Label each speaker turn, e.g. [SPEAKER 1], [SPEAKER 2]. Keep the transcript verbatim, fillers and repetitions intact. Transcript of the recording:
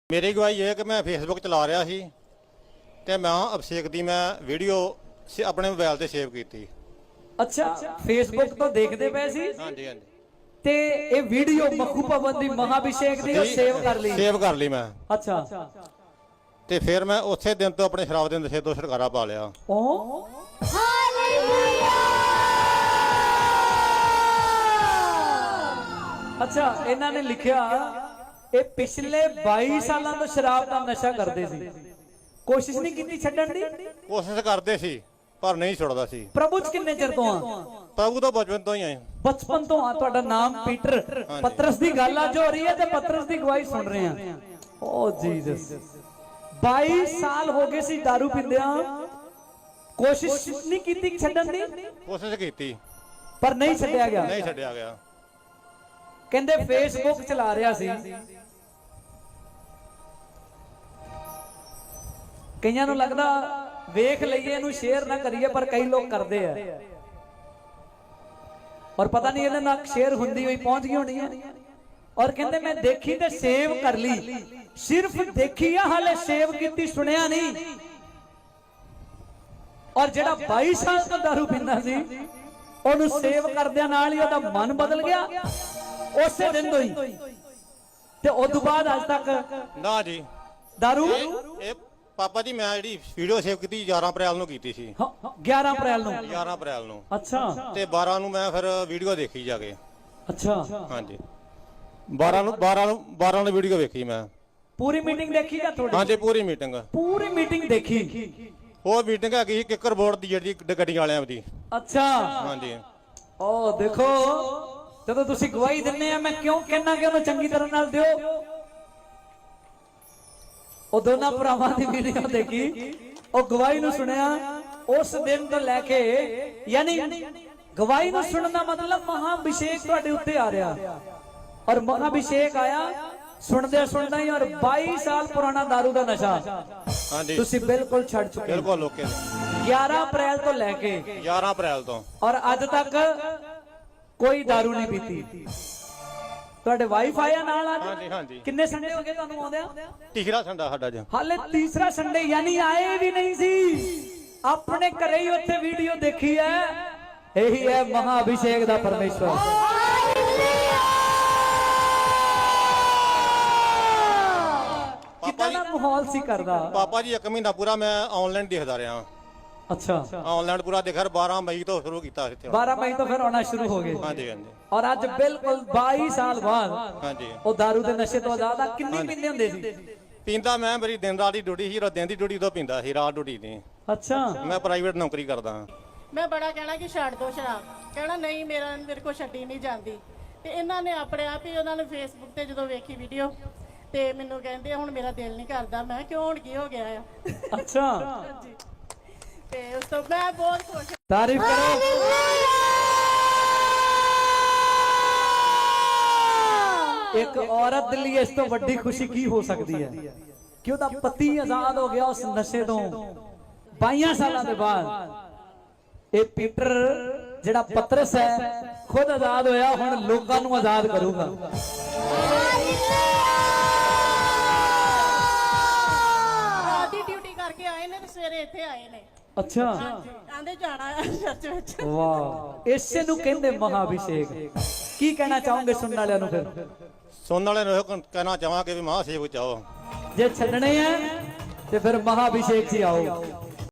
[SPEAKER 1] मेरी गवाही ये है कि मैं फेसबुक चला रहा सी ते मैं अभिषेक दी मैं वीडियो अपने मोबाइल ते सेव की।
[SPEAKER 2] अच्छा, फेसबुक तो देखते पे सी।
[SPEAKER 1] हाँ जी, हाँ जी।
[SPEAKER 2] ते ये वीडियो मखू भवन दी महाभिषेक दी और सेव कर ली।
[SPEAKER 1] सेव कर ली मैं।
[SPEAKER 2] अच्छा।
[SPEAKER 1] ते फिर मैं उस दिन तो अपने शराब के नशे तो छुटकारा पा लिया।
[SPEAKER 2] ओ अच्छा, इन्होंने लिखा ये पिछले बाईस साल तो शराब का नशा करते सी, कोशिश नहीं की छड्डण दी।
[SPEAKER 1] कोशिश करते सी पर नहीं छुड़दा सी।
[SPEAKER 2] प्रभु च किन्ने चिर तो आ?
[SPEAKER 1] प्रभु तो बचपन तो ही है।
[SPEAKER 2] बचपन तो आ। तुहाडा नाम पीटर। पतरस दी गल अज हो रही है ते पतरस दी गवाही सुन रहे हैं। ओ जीसस, बाईस साल हो गए सी दारू पींदिया, कोशिश नहीं की छड्डण दी।
[SPEAKER 1] कोशिश की
[SPEAKER 2] पर नहीं छड्डिया गया।
[SPEAKER 1] नहीं छड्डिया गया।
[SPEAKER 2] कहंदे फेसबुक चला रहा सी, कईयां नूं लगदा वेख लईए इहनूं शेयर ना करिए, पर कई लोग करते हैं और पता नहीं इहदे नाल शेयर हुंदी होई पहुंच गई होनी है। और कहंदे मैं देखी ते सेव कर ली। सिर्फ देखी है, हाले सेव कीती सुनिया नहीं। और जेड़ा बाईस साल तो दारू पींदा सी ओनू सेव करदियां नाल ही ओहदा मन बदल गया उसे दिन तो ही। ते उस बाद अज तक
[SPEAKER 1] ना जी
[SPEAKER 2] दारू।
[SPEAKER 1] ए पापा जी मैं जी वीडियो सेव की ग्यारह अप्रैल ਨੂੰ ਕੀਤੀ ਸੀ।
[SPEAKER 2] ग्यारह अप्रैल ਨੂੰ।
[SPEAKER 1] ग्यारह अप्रैल ਨੂੰ।
[SPEAKER 2] अच्छा।
[SPEAKER 1] ਤੇ बारह ਨੂੰ ਮੈਂ ਫਿਰ ਵੀਡੀਓ ਦੇਖੀ ਜਾ ਕੇ।
[SPEAKER 2] अच्छा।
[SPEAKER 1] ਹਾਂਜੀ बारह ਨੂੰ बारह ਨੂੰ बारह ਨੂੰ ਵੀਡੀਓ ਵੇਖੀ ਮੈਂ।
[SPEAKER 2] पूरी मीटिंग देखी या थोड़ी?
[SPEAKER 1] ਹਾਂਜੀ पूरी मीटिंग।
[SPEAKER 2] पूरी मीटिंग देखी।
[SPEAKER 1] ਉਹ ਮੀਟਿੰਗ ਹੈਗੀ ਕਿੱਕਰ ਬੋਰਡ ਦੀ ਜਿਹੜੀ ਗੱਡੀ ਵਾਲਿਆਂ ਦੀ।
[SPEAKER 2] अच्छा।
[SPEAKER 1] ਹਾਂਜੀ।
[SPEAKER 2] ओ देखो ਜਦੋਂ ਤੁਸੀਂ ਗਵਾਹੀ ਦਿੰਨੇ ਆ, ਮੈਂ ਕਿਉਂ ਕਹਿਣਾ ਕਿ ਉਹਨੂੰ ਚੰਗੀ ਤਰ੍ਹਾਂ ਨਾਲ ਦਿਓ। ਉਹ ਦੋਨਾਂ ਭਰਾਵਾਂ ਦੀ ਵੀਡੀਓ ਦੇਖੀ, ਉਹ ਗਵਾਹੀ ਨੂੰ ਸੁਣਿਆ ਉਸ ਦਿਨ ਤੋਂ ਲੈ ਕੇ, ਯਾਨੀ ਗਵਾਹੀ ਨੂੰ ਸੁਣਨ ਦਾ ਮਤਲਬ ਮਹਾਭਿਸ਼ੇਕ ਤੁਹਾਡੇ ਉੱਤੇ ਆ ਰਿਹਾ। ਔਰ ਮਹਾਭਿਸ਼ੇਕ ਆਇਆ ਸੁਣਦੇ ਸੁਣਦਾ ਹੀ, ਔਰ बाईस ਸਾਲ ਪੁਰਾਣਾ दारू ਦਾ ਨਸ਼ਾ
[SPEAKER 1] ਹਾਂਜੀ
[SPEAKER 2] ਤੁਸੀਂ ਬਿਲਕੁਲ ਛੱਡ ਚੁੱਕੇ।
[SPEAKER 1] ਬਿਲਕੁਲ ਓਕੇ।
[SPEAKER 2] ग्यारह अप्रैल ਤੋਂ ਲੈ ਕੇ
[SPEAKER 1] ग्यारह अप्रैल ਤੋਂ
[SPEAKER 2] ਔਰ ਅੱਜ ਤੱਕ ਕੋਈ दारू नहीं पीती। ਤੁਹਾਡੇ ਵਾਈਫ ਆਇਆ ਨਾਲ ਅੱਜ?
[SPEAKER 1] ਹਾਂਜੀ ਹਾਂਜੀ।
[SPEAKER 2] ਕਿੰਨੇ ਸੰਡੇ ਹੋ ਗਏ ਤੁਹਾਨੂੰ ਆਉਂਦਿਆਂ?
[SPEAKER 1] ਤੀਸਰਾ ਸੰਡਾ ਸਾਡਾ ਜੀ।
[SPEAKER 2] ਹਾਲੇ ਤੀਸਰਾ ਸੰਡੇ, ਯਾਨੀ ਆਏ ਵੀ ਨਹੀਂ ਸੀ, ਆਪਣੇ ਘਰੇ ਹੀ ਉੱਥੇ ਵੀਡੀਓ ਦੇਖੀ ਹੈ। ਇਹੀ ਹੈ ਮਹਾਭਿਸ਼ੇਕ ਦਾ ਪਰਮੇਸ਼ਵਰ। ਕਿੰਨਾ ਦਾ ਮਾਹੌਲ ਸੀ ਕਰਦਾ?
[SPEAKER 1] ਪਾਪਾ ਜੀ ਇੱਕ ਮਹੀਨਾ ਪੂਰਾ ਮੈਂ ਆਨਲਾਈਨ ਦੇਖਦਾ ਰਿਹਾ।
[SPEAKER 2] अच्छा।
[SPEAKER 1] ਆਨਲਾਈਨ ਪੂਰਾ ਦੇਖਿਆ। बारह मई ਤੋਂ ਸ਼ੁਰੂ ਕੀਤਾ ਇੱਥੇ।
[SPEAKER 2] बारह मई तो फिर आना शुरू हो गए।
[SPEAKER 1] ਹਾਂਜੀ ਹਾਂਜੀ।
[SPEAKER 2] और ਅੱਜ ਬਿਲਕੁਲ बाईस साल बाद
[SPEAKER 1] ਹਾਂਜੀ।
[SPEAKER 2] ਉਹ दारू ਦੇ ਨਸ਼ੇ ਤੋਂ ਆਜ਼ਾਦ ਆ। ਕਿੰਨੀ ਪੀਂਦੇ ਹੁੰਦੇ ਸੀ?
[SPEAKER 1] ਪੀਂਦਾ ਮੈਂ, ਮੇਰੀ ਦਿਨ ਰਾਤ ਦੀ ਡਿਊਟੀ ਸੀ। ਦਿਨ ਦੀ ਡਿਊਟੀ ਤੋਂ ਪੀਂਦਾ ਸੀ, ਰਾਤ ਡਿਊਟੀ ਨਹੀਂ।
[SPEAKER 2] अच्छा।
[SPEAKER 1] ਮੈਂ ਪ੍ਰਾਈਵੇਟ ਨੌਕਰੀ ਕਰਦਾ ਹਾਂ।
[SPEAKER 3] ਮੈਂ ਬੜਾ ਕਹਿਣਾ ਕਿ ਛੱਡ ਦੋ ਸ਼ਰਾਬ, ਕਹਿਣਾ ਨਹੀਂ ਮੇਰਾ ਮੇਰੇ ਕੋਲ ਛੱਡੀ ਨਹੀਂ ਜਾਂਦੀ। ਤੇ ਇਹਨਾਂ ਨੇ ਆਪਣੇ ਆਪ ਹੀ ਉਹਨਾਂ ਨੇ ਫੇਸਬੁੱਕ ਤੇ ਜਦੋਂ ਵੇਖੀ ਵੀਡੀਓ ਤੇ ਮੈਨੂੰ ਕਹਿੰਦੇ ਹੁਣ ਮੇਰਾ ਦਿਲ ਨਹੀਂ ਕਰਦਾ। ਮੈਂ ਕਿਉਂ ਹੁਣ ਕੀ ਹੋ ਗਿਆ ਆ?
[SPEAKER 2] अच्छा।
[SPEAKER 3] ਤੇ ਉਸ ਤੋਂ ਮੈਂ ਬਹੁਤ ਖੁਸ਼ ਹਾਂ।
[SPEAKER 2] तारीफ करो। एक औरत ਦੇ ਲਈ ਇਸ ਤੋਂ ਵੱਡੀ ਖੁਸ਼ੀ ਕੀ ਹੋ ਸਕਦੀ ਹੈ ਕਿ ਉਹਦਾ ਪਤੀ ਆਜ਼ਾਦ ਹੋ ਗਿਆ ਉਸ ਨਸ਼ੇ ਤੋਂ बाईस ਸਾਲਾਂ ਦੇ ਬਾਅਦ। ਇਹ ਪੀਟਰ ਜਿਹੜਾ ਪਤਰਸ ਹੈ ਖੁਦ ਆਜ਼ਾਦ ਹੋਇਆ, ਹੁਣ ਲੋਕਾਂ ਨੂੰ ਆਜ਼ਾਦ ਕਰੂਗਾ।
[SPEAKER 3] ਰਾਤ ਦੀ ਡਿਊਟੀ ਕਰਕੇ ਆਏ ਨੇ ਤੇ ਸਵੇਰੇ ਇੱਥੇ ਆਏ ਨੇ।
[SPEAKER 2] अच्छा।
[SPEAKER 3] ਆਂਦੇ ਜਾਣਾ ਚਰਚ ਵਿੱਚ।
[SPEAKER 2] वाह, ਇਸੇ ਨੂੰ ਕਹਿੰਦੇ ਮਹਾਭਿਸ਼ੇਕ। ਕੀ ਕਹਿਣਾ ਚਾਹੋਗੇ ਸੁਣਨ ਵਾਲਿਆਂ ਨੂੰ? ਫਿਰ
[SPEAKER 1] ਸੁਣਨ ਵਾਲੇ ਨੂੰ ਇਹੋ ਕਹਿਣਾ ਚਾਹਾਂਗੇ ਵੀ ਮਹਾਂਸੇਵਕ ਚਾਹੋ।
[SPEAKER 2] ਜੇ ਛੱਡਣੇ ਆ ਤੇ ਫਿਰ ਮਹਾਭਿਸ਼ੇਕ 'ਚ ਆਓ।